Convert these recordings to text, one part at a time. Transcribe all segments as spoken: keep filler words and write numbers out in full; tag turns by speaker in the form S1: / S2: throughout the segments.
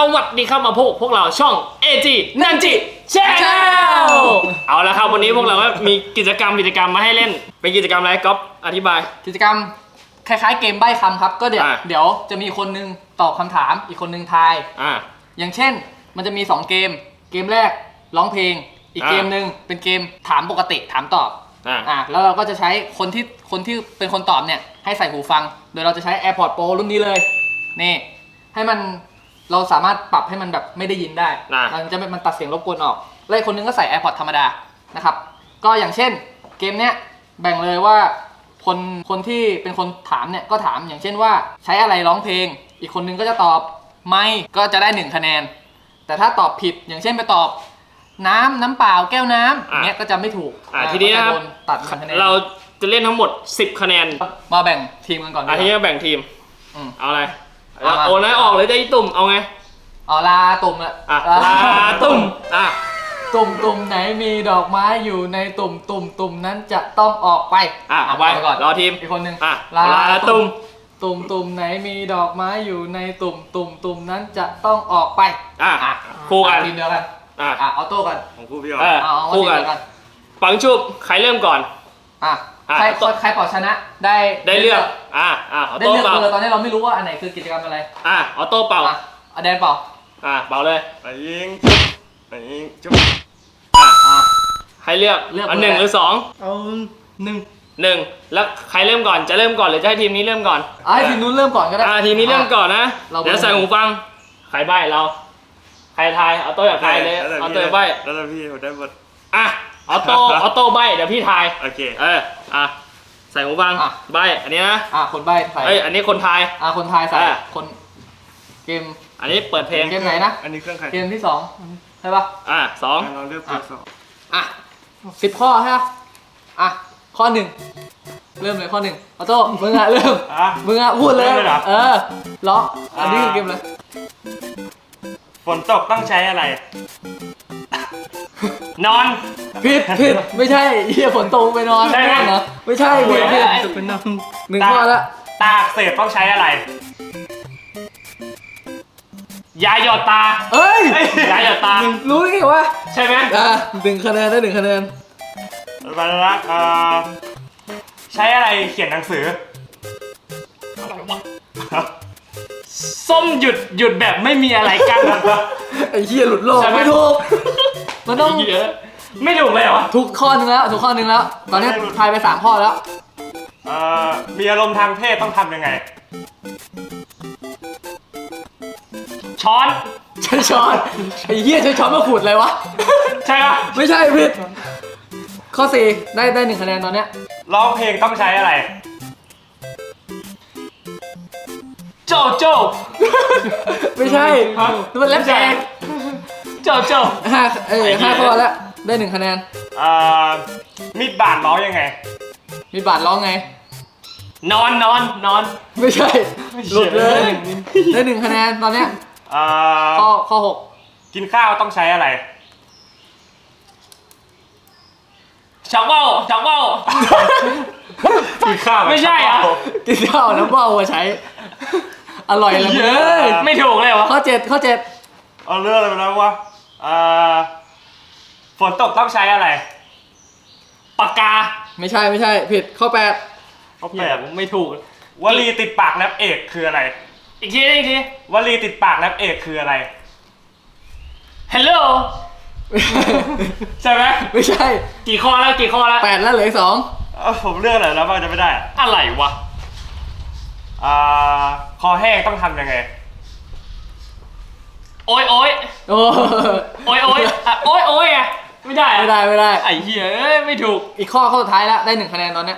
S1: วัสดีครับมาพบพวกเราช่อง เอ จี Nanji Channel เอาละครับวันนี้พวกเราก็มีกิจกรรมกิจกรรมมาให้เล่นเป็นกิจกรรมอะไรก๊อฟอธิบาย
S2: กิจกรรมคล้ายๆเกมใบ้คำครับก็เดี๋ยว
S1: อ่ะ
S2: เดี๋ยวจะมีคนนึงตอบคำถามอีกคนนึงทาย
S1: อ่า
S2: อย่างเช่นมันจะมีสองเกมเกมแรกร้องเพลงอีก
S1: อ่ะ
S2: เกมหนึ่งเป็นเกมถามปกติถามตอบ
S1: อ่า
S2: อ่ะแล้วเราก็จะใช้คนที่คนที่เป็นคนตอบเนี่ยให้ใส่หูฟังโดยเราจะใช้ AirPods Pro รุ่นนี้เลยนี่ให้มันเราสามารถปรับให้มันแบบไม่ได้ยินได้
S1: อ่ะ
S2: มันจะไม่มันตัดเสียงรบกวนออกแล้วอีกคนนึงก็ใส่ AirPods ธรรมดานะครับก็อย่างเช่นเกมเนี้ยแบ่งเลยว่าคนคนที่เป็นคนถามเนี่ยก็ถามอย่างเช่นว่าใช้อะไรร้องเพลงอีกคนนึงก็จะตอบไม่ก็จะได้หนึ่งคะแนนแต่ถ้าตอบผิดอย่างเช่นไปตอบน้ำน้ำเปล่าแก้วน้ำอย่างเงี้ยก็จะไม่ถูก
S1: อ่าทีนี้นะครับ
S2: ก็จโดตัดหนึ่งคะแนน
S1: เราจะเล่นทั้งหมดสิบคะแนน
S2: มาแบ่งทีมกันก่อน
S1: อ่ะทีนี้แบ่งทีม
S2: อืม
S1: เอาอะไร
S2: เอามา
S1: โอนให้ออกเลยจะอีตุ่มเอาไง
S2: อ๋อลาตุ่มละ
S1: อ่ะลาตุ่มอ่ะ
S2: ตุ่มตุ่มไหนมีดอกไม้อยู่ในตุ่มตุ่มตุ่มนั้นจะต้องออกไป
S1: อ่ะเอาไว้
S2: ก่อน
S1: รอทีม
S2: อีกคนนึง
S1: อ่ะลาตุ่ม
S2: ตุ่มตุ่มไหนมีดอกไม้อยู่ในตุ่มตุ่มตุ่มนั้นจะต้องออกไป
S1: อ่ะ
S2: อ่ะ
S1: คู่กัน
S2: ทีมเดียวกัน
S1: อ่ะ
S2: อ่ะออโต้กัน
S3: ของคู่พี่ออ
S1: เออ
S2: เอาเอา
S1: คู่กัน
S2: ทีมเดียวกัน
S1: ปังชุบใครเริ่มก่อน
S2: อ่ะ
S1: อ่ะ
S2: ใคร
S1: โต้
S2: ใครปลอดชนะได้
S1: ได้เลือกอ่ะอ่ะเอา
S2: ได้
S1: โต้
S2: เลือก
S1: เป่า
S2: เบอร์ตอนนี้เราไม่รู้ว่าอันไหนคือกิจกรรมอะไร
S1: อ่ะเอาโต้เป่า
S2: อ่ะเอาแดนเปล่า
S1: อ่ะเป่าเลย
S3: ไปยิงจุ๊บไปยิงจุ๊บ
S1: อ่ะ
S2: อ่ะ
S1: ให้เลือก
S2: เลือก
S1: อันหนึ่ง
S2: เบอร์
S1: หรือสอง
S3: เอาหนึ่ง
S1: หนึ่งแล้วใครเริ่มก่อนจะเริ่มก่อนหรือจะให้ทีมนี้เริ่มก่อน
S2: อ่ะให้ทีมนู้นเริ่มก่อนก็ได้
S1: อ่าทีมนี้เริ่มก่อนนะ
S2: เรา
S1: เดี๋ยวใส่หูฟังใครใบ้เราใครทายเอาโต้อย่างใครเลยเอาโต้ใบ้
S3: แล้วแต่พี่ผมได้หมด
S1: อ่ะเอาโต้เอาโต้ใบ้เดี๋ยวพี่ทาย
S3: โอเค
S1: เอออ่ะใส่หูฟัง
S2: อ่ะ
S1: ใบ้อันนี้นะ
S2: อ่ะคนใบ้ใส่
S1: เอ้ยอันนี้คนทาย
S2: อ่ะคนไทายใส่
S1: อ่ะ
S2: คนเกม
S1: อันนี้เปิดเพลง
S2: เกมไหนนะ
S3: อันนี้เครื่องใคร
S2: เกมที่สองใช่ปะ
S1: อ่ะสอง
S3: อ่ะเราเลือกเบอร์สอง
S2: อ่ะสิบข้อใช่ปะอ่ะข้อหนึ่งเริ่มเลยข้อหนึ่งออโต้มึงอ่ะเริ่ม
S3: อ่ะ
S2: มึงอ่ะพูดเลย
S3: เริ่มเลยเหรอ
S2: เออล้ออันนี้คือเกมอะไร
S3: ฝนตกต้องใช้อะไร
S1: นอน
S2: ผิดผิดไม่ใช่เฮียฝนตกไปนอน
S1: ใช่ไหม
S2: เหรอไม่ใช่ผิดผิด
S3: จะเป็นน้อง
S2: หนึ่งข้อละ
S3: ตาอักเสบต้องใช้อะไร
S1: ยาหยอดตา
S2: เอ้ย
S1: ยาหยอดตา
S2: รู้ได้ไงวะ
S1: ใช่ไหม
S2: อ่ะหนึ่งคะแนนได้หนึ่งคะแนน
S3: บรรลักษ์เอ่อใช้อะไรเขียนหนังสือ
S1: ส้มหยุดหยุดแบบไม่มีอะไรกัน
S2: ไอ้เฮียหลุดโลก
S1: ใช่ไหม
S2: ไม่ถูกมันต้อง
S1: เยอะไม่ถูกเลยเหรอ
S2: ทุกข้อหนึงแล้วทุกข้อหนึงแล้ว ตอนนี้ทายไปสามข้อแล้ว
S3: เอ่อมีอารมณ์ทางเพศต้องทำยังไง
S1: ช้อน
S2: ใช้ช้อนไอ้เหี้ยใช้ช้อนมาขูดเลยวะ
S1: ใช่ปะ
S2: ไม่ใช่ผิดข้อสี่ได้ได้หนึ่งคะแนนตอนเนี้ย
S3: ร้องเพลงต้องใช้อะไร
S1: โจโจ
S2: ไม่ใช่มันแรปแจก
S1: โจโจ
S2: ห้าเออ
S1: ไอ้เหี้ย
S2: ห้าข้อแล้วได้หนึ่งคะแนน
S3: เอ่อมีดบาดร้องยังไง
S2: มีบาทร้องไง
S1: นอนนอนนอน
S2: ไม่ใช่หลุดเลยได้หนึ่งคะแนนตอนเนี้ย
S3: เอ่อ
S2: ข้อข้อหก
S3: กินข้าวต้องใช้อะไร
S1: ชักว่าวชักว่าว
S3: กินข้าว
S1: ไม่ใช่เหรอ
S2: กินข้าวน้ำเบ้ามาใช้ อร่อยละมึงเอ้ย
S1: ไม่ถูกเลยวะ
S2: ข้อเจ็ดข้อเจ็ด
S3: เอาเรื่องอะไรไปแล้ววะเอ่อฝนตกต้องใช้อะไร
S1: ปากกา
S2: ไม่ใช่ไม่ใช่ผิดข้อแปด
S3: ข้อ
S1: เหี้
S3: แป
S1: ย
S3: ด
S1: ไม่ถูก
S3: วลีติดปากแรปเอกคืออะไร
S1: อีกทีอีกที
S3: วลีติดปากแรปเอกคืออะไร
S1: ฮัลโหลใช่ไหม
S2: ไม่ใช่
S1: กี่ข้อแล้วกี่ข้อแล้ว
S2: แปดแล้วเหลืออีกสอง
S3: เอ้าผมเลือกอะไรแล้วบ้างจะไม่ได้อะ
S1: อะไรวะ
S3: อ่าคอแห้งต้องทำยังไง
S1: โอ้ยโอ้ย
S2: โอ้
S1: โอ้ยโอ้ยอ่ะโอ้ยโอ้ยอ่ะไม่ได้อะ
S2: ไม่ได้ไม่ได้
S1: ไอ้เหี้ยเอ้ยไม่ถูก
S2: อีกข้อข้อสุดท้ายแล้วได้หนึ่งคะแนนตอนเนี้ย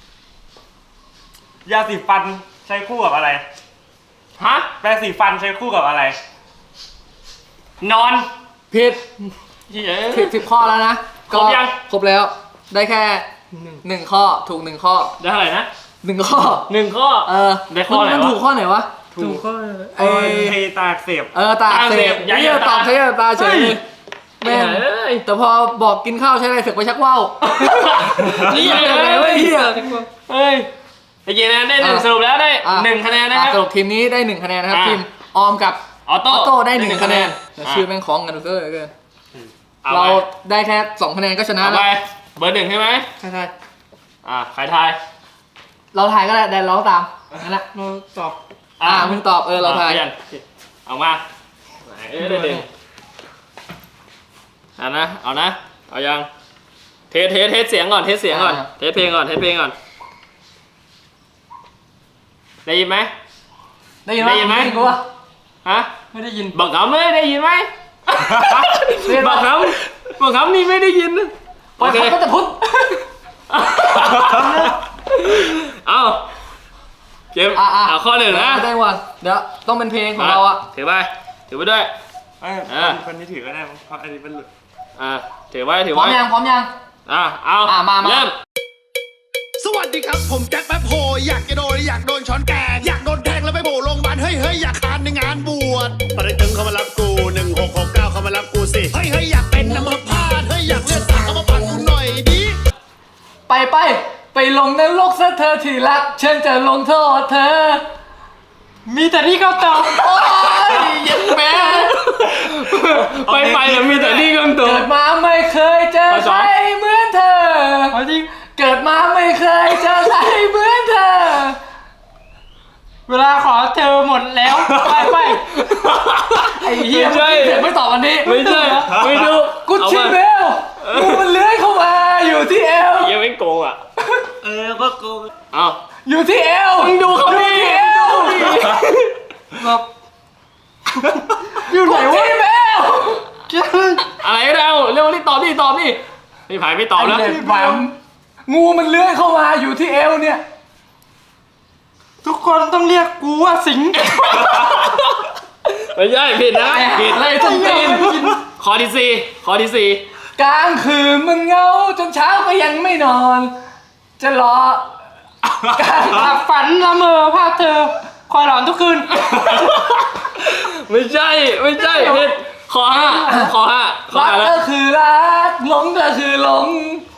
S3: ยาสีฟันใช้คู่กับอะไร
S1: ฮะ
S3: แปรงสีฟันใช้คู่กับอะไร
S1: นอน
S2: ผิด
S1: เหี้ย
S2: สิบสิบข้อแล้วนะ
S1: ครบยัง
S2: ครบแล้ว ได้แค่หนึ่งข้อถูกหนึ่งข้อ
S1: ได้เท่าไหร่นะ
S2: หนึ่งข้อ
S1: หนึ่งข้อ
S2: เออ
S1: ได้ข้อไหนวะ
S2: มันถูกข้อไหนวะ
S3: ถูกข้อ
S2: ไอ้
S3: ไอตาอักเสบ
S2: เออตาอักเสบ
S1: ตาอักเสบ
S2: เหี้ย
S1: ยาหยอดตา
S2: ตอบใช้ยาตาเฉยเลยแม่ง
S1: เอ้ย
S2: แต่พอบอกกินข้าวใช้อะไรเสอกไปชักว่าว
S1: นี่
S2: เหี้ย
S1: เล
S2: อะไรวะ
S1: ย
S2: เหี้ย
S1: เฮ้ยไอ้เจนะได้หนึ่ง
S2: อ่ะ
S1: สรุปแล้วได้
S2: อ่ะ
S1: หนึ่งคะแนนนะค
S2: อ่ะ
S1: รับ
S2: สรุปทีมนี้ได้หนึ่งคะแนนนะครับ
S1: อ่ะ
S2: ทีมออมกับ
S1: ออโต้
S2: ออโต้ได้หนึ่งคะแนน
S1: อ่ะ
S2: ชื่อแม่งคล้องกันเกินเกิน
S1: เอา
S2: เรา
S1: ไป
S2: ได้แค่สองคะแนนก็ชนะ
S1: เอา
S2: แล้
S1: ไป
S2: ว
S1: เบอร์หนึ่งใช่ไหม
S2: ใช่ใช่
S1: อ่าใครทาย
S2: เราถ่ายก็ได้แต่เราตามนั่นแหละ
S3: เราตอบ
S2: อ่ามึงตอบเออเราถ่าย
S1: อ่ะเอามาไหนเอ้ยเดี๋ยวดึงอ่ะนะเอานะเอายังเทสเทสเทสเสียงก่อนเทสเสียงก่อนเทสเพลงก่อนเทสเพลงก่อนได้ยินไหม
S2: ได้ยิน
S1: ได้ยินไหม
S2: กูวะ
S1: ฮะ
S2: ไม่ได้ยิน
S1: บอกเขาไม่ได้ยินไหม
S2: เรียน
S1: บ
S2: มา
S1: อกเขาบอกเขานี่ไม่ได้ยิน
S2: โอเคก็จะพุทธ
S1: เอาเกม
S2: อ่ะอ่ะ
S1: เอาข้อหนึ่งนะ
S2: ได้วันเดี๋ยวต้องเป็นเพลงของเราอ่ะ
S1: ถือไปถือไปด้วย
S3: เอ้ย
S1: อ่ะ
S3: คนนี้ถือก็ได้มั้งเพราะอันนี้เป็นหลุด
S1: อ่าถือไว้ถือ
S2: พร้อ
S1: ไว้
S2: มยังพร้อมยัง
S1: อ่ะเอา
S2: อ่ะมามา
S1: เริ่ม
S4: สวัสดีครับ ผมแจ็คแป๊บโฮอยากจะโดนอยากโดนช้อนแกงอยากโดนแทงแล้วไปโผล่โรงพยาบาลเฮ้ยเฮ้ยอยากคานในงานบวชปริตึงเขามารับกูหนึ่งหกหกเก้าเขามารับกูสิเฮ้ยเฮ้ยอยากเป็นน้ำมันพาดเฮ้ยอยากเลือดสาดเขามาปั่นกูหน่อยดิ
S2: ไปไปไปลงนรกซะเธอที่รักฉันจะลงโทษเธอ มีแต่ที่เขาตอบโอ้ยเย็นแม่
S1: ไปไปแล้วมีแต่นี่กำตัว
S2: เกิดมาไม่เคยเจอใครเหมือนเธอจริงเกิดมาไม่เคยเจอใครเหมือนเธอ เวลาขอเธอหมดแล้วไปไปไอ้เหี้ย
S1: ไม่ใช่
S2: เดี๋ยวไม่ตอบวันนี้
S1: ไม่ใช่ไม่ดู
S2: กุชชี่เบลงูมันเลื้อยเข้ามาอยู่ที่เอว
S1: ยังไม่โกงอ่ะ
S3: เออก็โกง
S1: เอา
S2: อยู่ที่เอว
S1: มึงดูเขาดิ
S2: อยู่ที่เอวแบบอยู่ไหนวะเบล
S1: อะไรก็ได้เอาเร็วรีบตอบดิตอบดิพี่ไผ่ไม่ตอบแล้ว
S2: ไอ้เด็กแหวมงูมันเลื้อยเข้ามาอยู่ที่เอวเนี่ย ทุกคนต้องเรียกกูว่าสิง
S1: ไม่ใช่ผิดนะผิด
S2: อะไรต้องตีน
S1: ข้อที่สี่ข้อที่สี่
S2: กลางคืนมันเหงาจนเช้าก็ยังไม่นอน จะรอการหลับฝันละเมอภาพเธอคอยหลอนทุกคืน
S1: ไม่ใช่ไม่ใช่ผิดข้อห้าข้อห้าข้อ
S2: รัก
S1: ห้าแล้ว
S2: ก็คือรักหลงก็คือหลง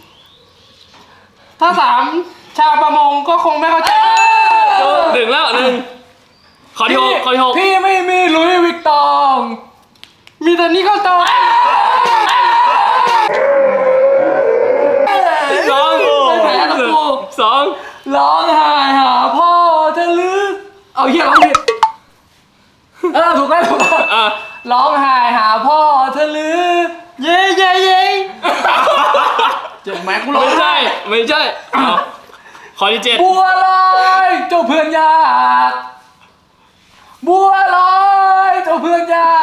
S2: ถ้าสามชาวประมงก็คงไม่เข้าใจ
S1: หนึ่งแล้วหนึ่งข้อที่หกข้อที่หก
S2: พี่ไม่มีหลุยส์วิกตอง มีแต่นี่ก็ตอง
S1: สอง
S2: ไม่แพ้นะกู
S1: สอง
S2: ร้องไห้หาพ่อจะลือเอาเหี้ยร้องผิดเออถูกแล้วถูกแล้ว
S1: อ่ะ
S2: ร้องไห้หาพ่อเธอลือ เย้เย้เย้เจ็บไหมกูร้อง
S1: ไม่
S2: ไห้
S1: ใช่ไม่ใช่เอาข้อที่เจ็ด
S2: บัวลอยเจ้าเพื่อนยากบัวลอยเจ้าเพื่อนยาก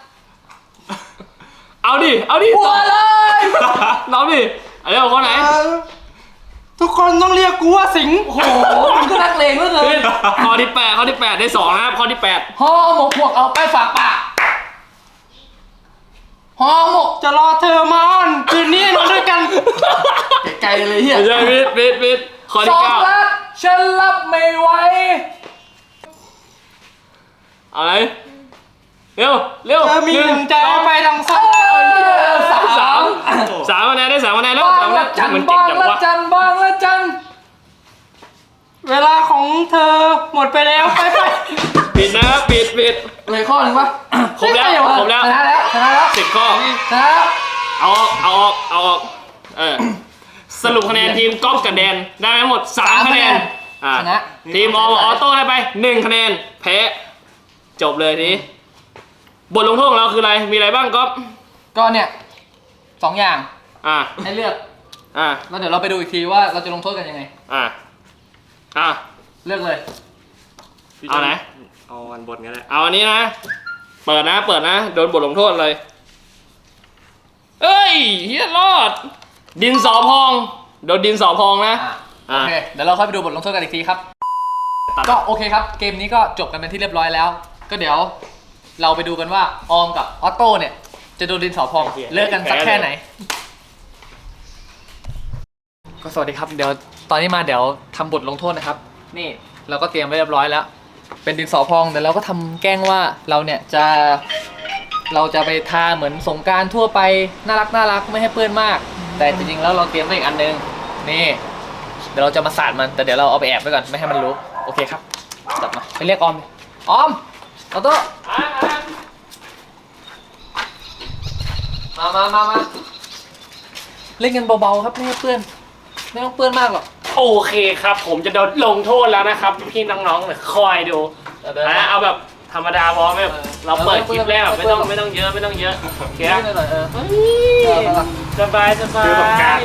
S1: เอาดิเอาดิ
S2: บัวลอย
S1: น้องดิเอาเร็วข้อไหน
S2: ทุกคนต้องเรียกกูว่าสิงโอ้โหมันก็นักเลงเหลือเกิ
S1: ผิ
S2: น
S1: ดข้อที่แปดข้อที่แปดได้สองนะครับข้อที่แปด
S2: ห่อหมกพวกเอาไปฝากปากห่อหมกจะรอเธอมาอ้อนคืนนี้นอนด้วยกันไกลๆเลยเฮีย
S1: ไม่ใช่ผิดผิดผิดข้อ
S2: ส
S1: ที่
S2: อง
S1: เก้า
S2: รักฉันรับไม่ไหว
S1: เอาไหนเร็วเร็ว
S2: มีหนึ่งใจไปทางซ้ายสาม
S1: สามสามคะแนนได้สามคะแนนแล้ว
S2: บาง
S1: สามคะแน
S2: ละ
S1: น
S2: จัน
S1: มันเก่ง
S2: บาง
S1: จัง
S2: ละ
S1: วะ
S2: จันบางละจันเวลาของเธอหมดไปแล้วไปไป
S1: ผิดนะครับผิดผิด
S2: เลยข้อหนึ่งปะ
S1: ครบแล้วครบแล้ว
S2: ชนะแล้วชนะแล้ว
S1: สิบข้อ
S2: ชนะแล้ว
S1: เอาออกเอาออกเอาออกเออสรุปคะแนนทีมก๊อฟกับแดนได้ทั้งหมดสามคะแนนอ่า
S2: ชนะ
S1: ทีมอออโต้ได้ไปหนึ่งคะแนนแพ้จบเลยทีนี้บทลงโทษของเราคืออะไรมีอะไรบ้างก๊อฟ
S2: ก็เนี่ยสองอย่าง
S1: อ่า
S2: ให้เลือก
S1: อ่า
S2: แล้วเดี๋ยวเราไปดูอีกทีว่าเราจะลงโทษกันยังไง
S1: อ่าอ่า
S2: เลือกเลย
S1: เอาไหน
S3: เอาวันบนก็ได้
S1: เอาอันนี้นะ เปิดนะ เปิดนะ โดนบทลงโทษเลย เอ้ยเฮียรอด ดินสอพอง โดนดินสอพองนะ
S2: อ่ะโอเค เดี๋ยวเราค่อยไปดูบทลงโทษกันอีกทีครับ ก็โอเคครับ เกมนี้ก็จบกันเป็นที่เรียบร้อยแล้ว ก็เดี๋ยวเราไปดูกันว่าออมกับออโต้เนี่ย จะโดนดินสอพองเลิกกันสักแค่ไหน ก็สวัสดีครับ เดี๋ยวตอนนี้มาเดี๋ยวทำบทลงโทษนะครับ นี่เราก็เตรียมไว้เรียบร้อยแล้ว เป็นดินสอพองเดี๋ยวเราก็ทำแกล้งว่าเราเนี่ยจะเราจะไปทาเหมือนสงกรารทั่วไปน่ารักน่ารักไม่ให้เปื้อนมาก แต่จริงๆแล้วเราเตรียมไว้อีกอันนึงนี่เดี๋ยวเราจะมาสาดมันแต่เดี๋ยวเราเอาไปแอบไว้ก่อนไม่ให้มันรู้โอเคครับกลับมาไปเรียกออมดิออมออโต้
S1: อ่า
S2: มามามามาเล่นกันเบาๆครับไม่ให้เปื้อนไม่ต้องเปื้อนมากหรอก
S1: โอเคครับ ผมจะโดนลงโทษแล้วนะครับ พี่น้องๆเนี่ยคอยดูนะเอาแบบธรรมดาพอไม่แบบเราเปิดคลิปแล้วไม่ต้องไม่ต้องเยอะไม่ต้องเยอะโอเค
S2: หน่อยๆเออ
S1: สบายสบาย
S3: คือต้องการ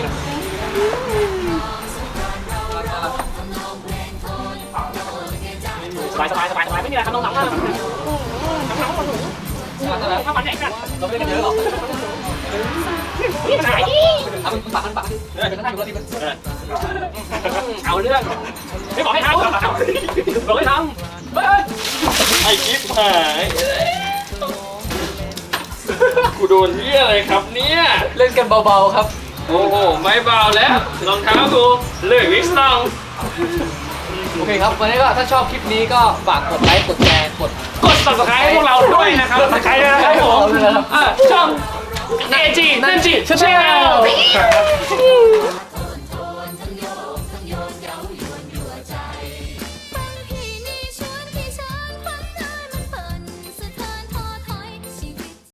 S1: สบายสบายสบายสบายไม่มีอะไรครับน้องๆน้องๆถ้ามันไหนกัน
S2: เราไม่ได้กันเยอะหรอก
S1: นี่ไหน
S2: เอาเป็นปากเป็นปากเออเป็นนั่งอยู่แล้วดีมัน
S1: เอาเรื่องไม่บอกให้ทำบอกให้ทำไอ้กิ๊บหายกูโดนเหี้ยอะไรครับเนี่ย
S2: เล่นกันเบาๆครับ
S1: โอ้โหไม่เบาแล้วรองเท้ากูเลือกวิกซ์ตอง
S2: โอเคครับวันนี้ก็ถ้าชอบคลิปนี้ก็ฝากกดไลค์กดแชร์กด
S1: กด subscribe ให้พวกเราด้วยนะครับ subscribe ด้วยนะครับผมอ่ะช่อง เอ จี นันจิ Channel